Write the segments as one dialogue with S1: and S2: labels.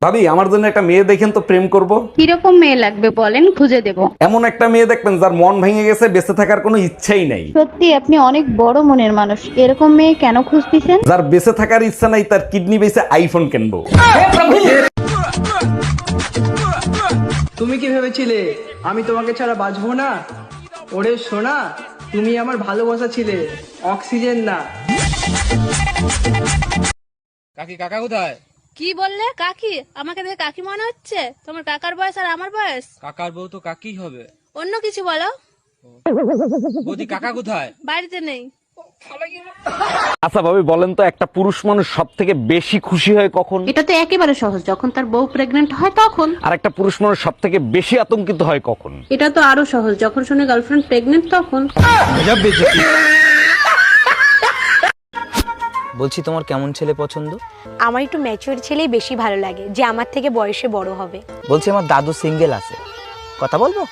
S1: ভাবি আমার জন্য একটা মেয়ে দেখেন তো, প্রেম করব।
S2: কিরকম মেয়ে লাগবে বলেন, খুঁজে দেব।
S1: এমন একটা মেয়ে দেখবেন যার মন ভেঙে গেছে, বেঁচে থাকার কোনো ইচ্ছাই নাই।
S2: সত্যি আপনি অনেক বড় মনের মানুষ, এরকম মেয়ে কেন খুঁজতেছেন?
S1: যার বেঁচে থাকার ইচ্ছা নাই, তার কিডনি বেঁচে আইফোন কিনবো।
S3: তুমি কি ভেবেছিলে আমি তোমাকে ছাড়া বাঁচবো না? ওরে সোনা, তুমি আমার ভালোবাসা ছিলে, অক্সিজেন না।
S4: কাকি কাকা কোথায়?
S5: কি বললে? কাকি? আমাকে দেখে কাকি মনে হচ্ছে? তোমার কাকার বয়স আর আমার বয়স।
S4: কাকার বউ তো কাকি হবে।
S5: অন্য কিছু বলো।
S4: বৌদি কাকা কোথায়?
S5: বাড়িতে নেই।
S1: আচ্ছা ভাবি বলেন তো, একটা পুরুষ মানুষ সব থেকে বেশি খুশি হয় কখন?
S2: এটা তো একেবারে সহজ, যখন তার বউ প্রেগনেন্ট হয় তখন।
S1: আর একটা পুরুষ মানুষ সব থেকে বেশি আতঙ্কিত হয় কখন?
S2: এটা তো আরো সহজ, যখন শুনে গার্লফ্রেন্ড প্রেগনেন্ট তখন।
S6: বলছি তোমার কেমন ছেলে পছন্দ?
S7: আমার একটু ম্যাচিওর ছেলেই বেশি ভালো লাগে, যে আমার থেকে বয়সে বড় হবে।
S6: বলছি আমার দাদু সিঙ্গেল আছে, কথা বলবো?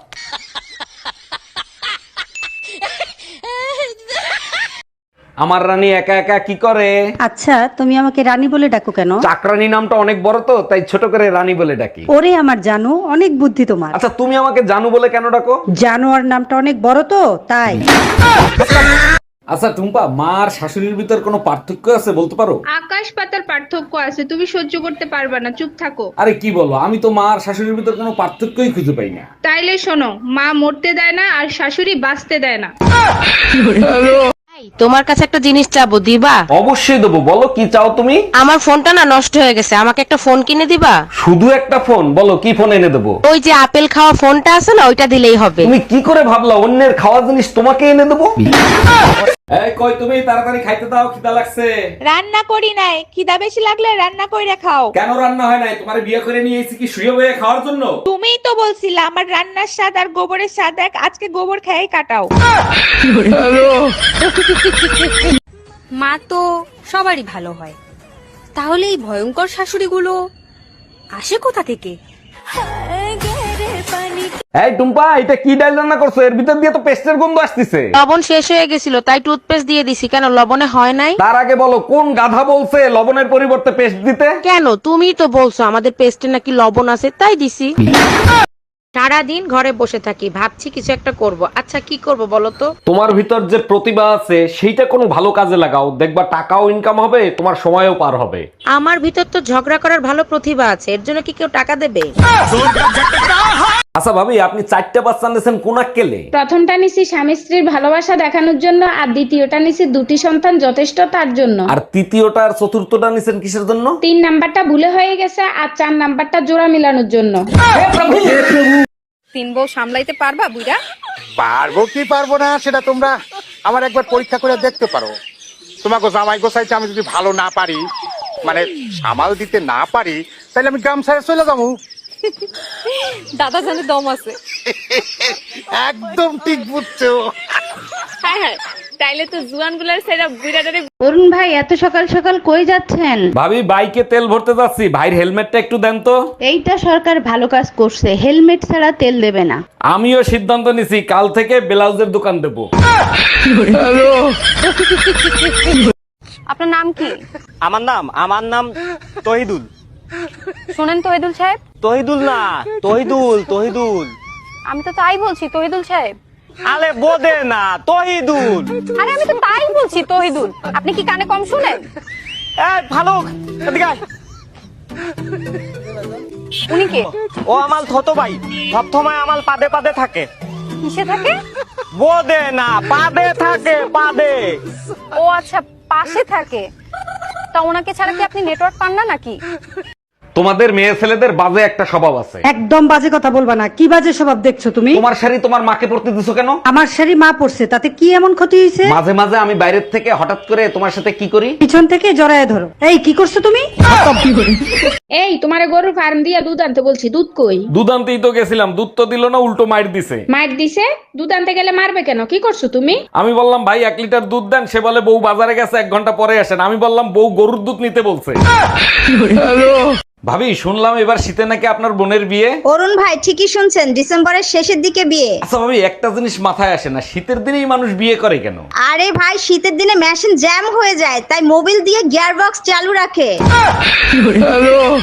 S1: আমার রানী একা একা কি করে?
S8: আচ্ছা, তুমি আমাকে রানী বলে ডাকো কেন?
S1: চাকরানী নামটা অনেক বড় তো, তাই ছোট করে রানী বলে ডাকি।
S8: ওরে আমার জানো, অনেক বুদ্ধি তোমার।
S1: আচ্ছা তুমি আমাকে জানু বলে কেন ডাকো?
S8: জানোয়ার নামটা অনেক বড় তো, তাই।
S1: আচ্ছা টুম্পা, মা আর শাশুড়ির ভিতর কোনো পার্থক্য আছে বলতে পারো?
S9: আকাশ পাতার পার্থক্য আছে, তুমি সহ্য করতে পারবে না, চুপ থাকো।
S1: আরে কি বলো, আমি তো মা আর শাশুড়ির ভিতর কোনো পার্থক্যই খুঁজে পাই না।
S9: তাইলে শোনো, মা মরতে দেয় না আর শাশুড়ি বাঁচতে দেয় না।
S10: তোমার কাছে একটা জিনিস চাবো, দিবা?
S1: অবশ্যই দেবো, বলো কি চাও তুমি?
S10: আমার ফোনটা না নষ্ট হয়ে গেছে, আমাকে একটা ফোন কিনে দিবা?
S1: শুধু একটা ফোন? বলো কি ফোন এনে দেবো?
S10: ওই যে আপেল খাওয়া ফোনটা আছে না, ওইটা দিলেই হবে।
S1: তুমি কি করে ভাবলা অন্যের খাওয়া জিনিস তোমাকে এনে দেবো? এই কই তুমি, তাড়াতাড়ি খাইতে দাও, খিদা লাগছে।
S7: রান্না করি নাই, খিদা বেশি লাগলে রান্না কইরা খাও।
S1: কেন রান্না হয় নাই? তোমার বিয়ে করে নিয়ে এসেছি কি শুয়ে বয়ে খাওয়ার জন্য?
S7: তুমিই তো বলছিলা আমার রান্নার স্বাদ আর গোবরের স্বাদ এক, আজকে গোবর খেয়েই কাটাও।
S5: মা তো সবারই ভালো হয়, তাহলে এই ভয়ঙ্কর শাশুড়িগুলো আসে কোথা থেকে?
S1: এই টুম্পা, এটা কি ডাল রান্না করছো? এর ভিতর দিয়ে তো পেস্টের গন্ধ আসতেছে।
S10: লবণ শেষ হয়ে গেছিল, তাই টুথপেস্ট দিয়ে দিছি। কেন, লবণে হয় নাই?
S1: তার আগে বলো কোন গাধা বলছে লবণের পরিবর্তে পেস্ট দিতে?
S10: কেন, তুমিই তো বলছো আমাদের পেস্টে নাকি লবণ আছে, তাই দিছি। সারাদিন ঘরে বসে থাকি, ভাবছি কিছু একটা করব। আচ্ছা কি করব বলো তো?
S1: তোমার ভিতর যে প্রতিভা আছে সেইটা কোনো ভালো কাজে লাগাও, দেখবা টাকাও ইনকাম হবে, তোমার সময়ও পার হবে।
S10: আমার ভিতর তো ঝগড়া করার ভালো প্রতিভা আছে, এর জন্য কি কেউ টাকা দেবে?
S1: আচ্ছা ভাবি, আপনি 4টা বাচ্চা নিয়েছেন কোন আক্কেলে?
S9: প্রথমটা নিছি স্বামী স্ত্রীর ভালোবাসা দেখানোর জন্য, আর দ্বিতীয়টা নিছি দুটি সন্তান যথেষ্ট তার জন্য।
S1: আর তৃতীয়টা আর চতুর্থটা নিছেন কিসের জন্য?
S9: 3 নাম্বারটা ভুলে হয়ে গেছে, আর 4 নাম্বারটা জোড়া মিলানোর জন্য।
S5: 3 বউ সামলাইতে পারবা বুইড়া?
S11: পারবো কি পারবো না সেটা তোমরা আমার একবার পরীক্ষা করে দেখতে পারো। তোমাকে জামাই গোসাইতে আমি যদি ভালো না পারি, মানে সামাল দিতে না পারি, তাহলে আমি গ্রাম ছেড়ে চলে যাবো।
S5: দাদা জানে দম আছে।
S11: একদম ঠিক বুঝছো।
S5: হ্যাঁ হ্যাঁ, তাইলে তো জুয়ান গুলার সেরা বুইড়াটারে।
S2: অরুণ ভাই, এত সকাল সকাল কই যাচ্ছেন?
S1: ভাবি বাইকে তেল ভরতে যাচ্ছি, ভাইয়ের হেলমেটটা একটু দেন তো।
S2: এইটা সরকার ভালো কাজ করছে, হেলমেট ছাড়া তেল দেবে না।
S1: আমিও সিদ্ধান্ত নিছি, কাল থেকে ব্লাউজের দোকান দেবো।
S5: আপনার নাম কি?
S6: আমার নাম তহিদুল।
S5: শুনেন তহিদুল সাহেব।
S6: তহিদুল না, তহিদুল তহিদুল।
S5: আমি তো তাই বলছি তহিদুল সাহেব।
S6: আরে বোদে না, তহিদুল।
S5: আরে আমি তো তাই বলছি তহিদুল, আপনি কি কানে কম শুনেন?
S6: ভালো, এদিকে আয়।
S5: উনি কে?
S6: ও আমার ছোট ভাই, সবসময় আমার পাদে পাদে থাকে।
S5: কিসে থাকে?
S6: বোদে না, পাদে থাকে, পাদে।
S5: ও আচ্ছা, পাশে থাকে। তা ওনাকে ছাড়া কি আপনি নেটওয়ার্ক পান না নাকি?
S1: তোমাদের মেয়ে ছেলেদের বাজে একটা স্বভাব আছে।
S8: একদম বাজে কথা বলবা না। কি বাজে স্বভাব দেখছো তুমি?
S1: তোমার শাড়ি তোমার মাকে পরতে দিছো কেন?
S8: আমার শাড়ি মা পরছে, তাতে কি এমন ক্ষতি হয়েছে?
S1: মাঝে মাঝে আমি বাইরের থেকে হঠাৎ করে তোমার সাথে কি করি,
S8: পিছন থেকে জড়ায় ধরো। এই কি করছো তুমি?
S9: এই তোমারে গরুর ফার্ম দিয়া দুধ আনতে বলছি, দুধ কই?
S1: দুধ আনতেই তো গেছিলাম, দুধ তো দিল না, উল্টো মাইর দিছে।
S9: মার দিছে? দুধ আনতে গেলে মারবে কেন? কি করছো তুমি?
S1: আমি বললাম ভাই 1 লিটার দুধ দেন, সে বলে বউ বাজারে গেছে 1 ঘন্টা পরে আসেন। আমি বললাম বউ গরুর দুধ নিতে বলছে। ভাবি শুনলাম এবার শীতে নাকি আপনার বোনের বিয়ে।
S7: অরুণ ভাই ঠিকই শুনছেন, ডিসেম্বরের শেষের দিকে বিয়ে।
S1: আচ্ছা ভাবি, একটা জিনিস মাথায় আসে না, শীতের দিনেই মানুষ বিয়ে করে কেন?
S7: আরে ভাই, শীতের দিনে মেশিন জ্যাম হয়ে যায়, তাই মোবিল দিয়ে গিয়ার বক্স চালু রাখে।